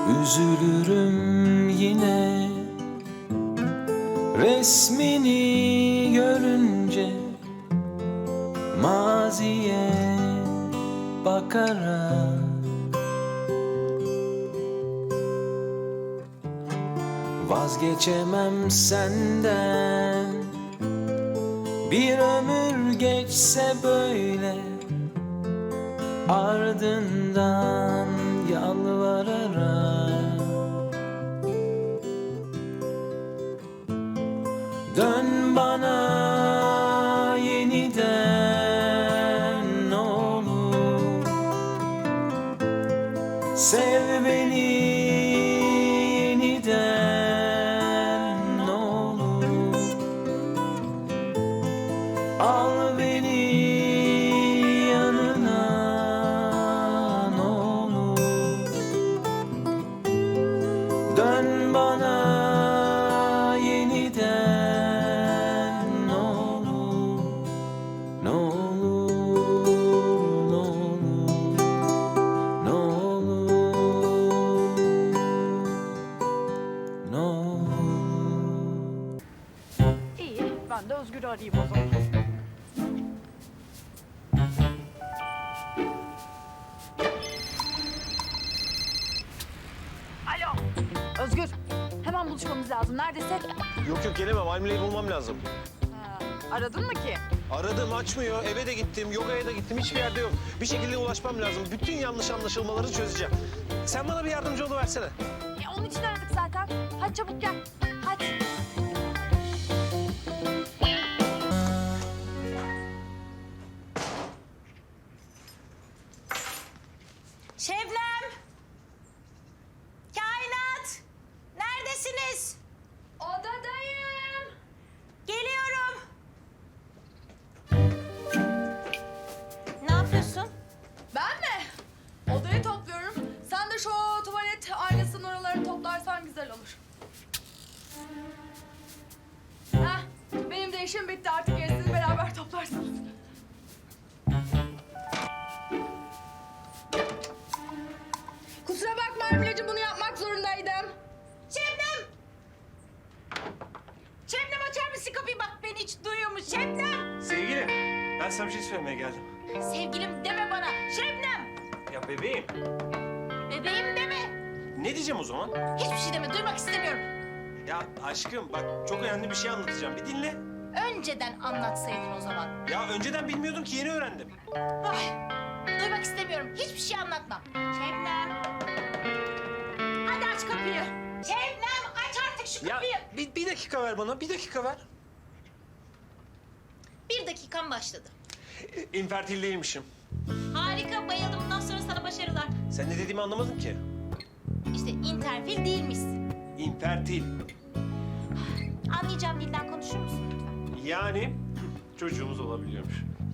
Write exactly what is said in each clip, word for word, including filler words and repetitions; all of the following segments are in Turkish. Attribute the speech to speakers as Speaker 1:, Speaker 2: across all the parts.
Speaker 1: Üzülürüm yine resmini görünce, maziye bakarak. Vazgeçemem senden, bir ömür geçse böyle, ardından yalvararak. Dön bana yeniden ne olur, sev beni yeniden ne olur, al beni yanına ne olur. Dön bana yeniden ne olur, ne olur, ne olur, ne olur, ne olur.
Speaker 2: İyi, ben de Özgür'ü arayayım o zaman. Alo, Özgür. Hemen buluşmamız lazım. Neredesin?
Speaker 3: Yok yok gelemem. Almile'yi bulmam lazım.
Speaker 2: Ha, aradın mı ki?
Speaker 3: Aradım açmıyor. Eve de gittim. Yogaya da gittim. Hiçbir yerde yok. Bir şekilde ulaşmam lazım. Bütün yanlış anlaşılmaları çözeceğim. Sen bana bir yardımcı oluversene.
Speaker 2: E, onun için aradık zaten. Hadi çabuk gel. Hadi.
Speaker 4: Şebnem! Kainat! Neredesiniz?
Speaker 2: Odadayım.
Speaker 4: Geliyorum. Ne yapıyorsun?
Speaker 2: Ben mi? Odayı topluyorum. Sen de şu tuvalet aynasının oralarını toplarsan güzel olur. Heh, benim de işim bitti. Artık gerisini beraber toplarsınız. Kusura bakma Emre'cim, bunu yapmak zorundaydım.
Speaker 4: Şebnem! Şebnem açar mısın kapıyı? Bak beni hiç duyuyormuş. Şebnem!
Speaker 3: Sevgilim, ben sana bir şey söylemeye geldim.
Speaker 4: Sevgilim deme bana. Şebnem!
Speaker 3: Ya bebeğim.
Speaker 4: Bebeğim deme.
Speaker 3: Ne diyeceğim o zaman?
Speaker 4: Hiçbir şey deme. Duymak istemiyorum.
Speaker 3: Ya aşkım bak çok önemli bir şey anlatacağım. Bir dinle.
Speaker 4: Önceden anlatsaydın o zaman.
Speaker 3: Ya önceden bilmiyordum ki yeni öğrendim.
Speaker 4: Ay, duymak istemiyorum. Hiçbir şey anlatma. Şebnem! Hadi aç kapıyı. Şebnem aç artık şu
Speaker 3: Ya
Speaker 4: kapıyı.
Speaker 3: bir, bir dakika ver bana. Bir dakika ver.
Speaker 4: Bir dakikan başladı.
Speaker 3: E, İnfertil değilmişim.
Speaker 4: Harika, bayıldım. Bundan sonra sana başarılar.
Speaker 3: Sen ne dediğimi anlamadın ki.
Speaker 4: İşte interfil değilmişsin.
Speaker 3: İnfertil.
Speaker 4: Anlayacağım dilden konuşur musun lütfen?
Speaker 3: Yani çocuğumuz olabiliyormuş.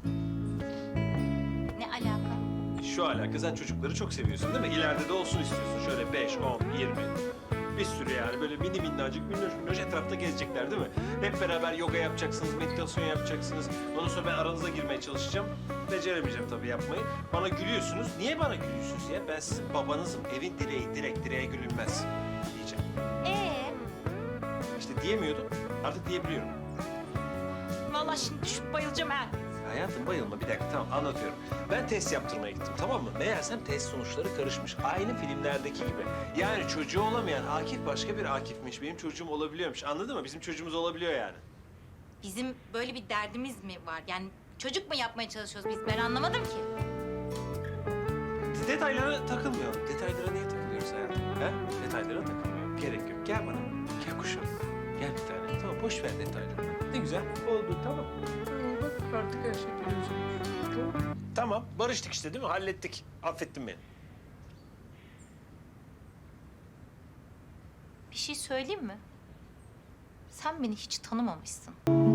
Speaker 4: Ne alaka?
Speaker 3: Şu alaka sen çocukları çok seviyorsun değil mi? İleride de olsun istiyorsun. Şöyle beş, on, yirmi. Bir sürü yani böyle mini minnacık, minnoş minnoş etrafta gezecekler değil mi? Hep beraber yoga yapacaksınız, meditasyon yapacaksınız. Ondan sonra ben aranıza girmeye çalışacağım. Beceremeyeceğim tabii yapmayı. Bana gülüyorsunuz. Niye bana gülüyorsunuz ya? Ben sizin babanızım. Evin direği, direk direğe gülünmez diyeceğim.
Speaker 4: Ee,
Speaker 3: İşte diyemiyordum. Artık diyebiliyorum.
Speaker 4: vallahi şimdi düşüp bayılacağım ha.
Speaker 3: Hayatım bayılma bir dakika tamam anlatıyorum. Ben test yaptırmaya gittim tamam mı? Meğersem test sonuçları karışmış. Aynı filmlerdeki gibi. Yani çocuğu olamayan Akif başka bir Akif'miş. Benim çocuğum olabiliyormuş. Anladın mı? Bizim çocuğumuz olabiliyor yani.
Speaker 4: Bizim böyle bir derdimiz mi var? Yani çocuk mu yapmaya çalışıyoruz biz? Ben anlamadım ki.
Speaker 3: Detaylara takılmıyorum. Detaylara niye takılıyoruz hayatım? He? Detaylara takılmıyorum. Gerek yok. Gel bana. Gel kuşum. Gel bir tane. Tamam boş ver detayları. Ne güzel. Oldu tamam. Ee, bak artık her şey görüyorsun. Tamam. Barıştık işte değil mi? Hallettik. Affettin beni.
Speaker 4: Bir şey söyleyeyim mi? Sen beni hiç tanımamışsın.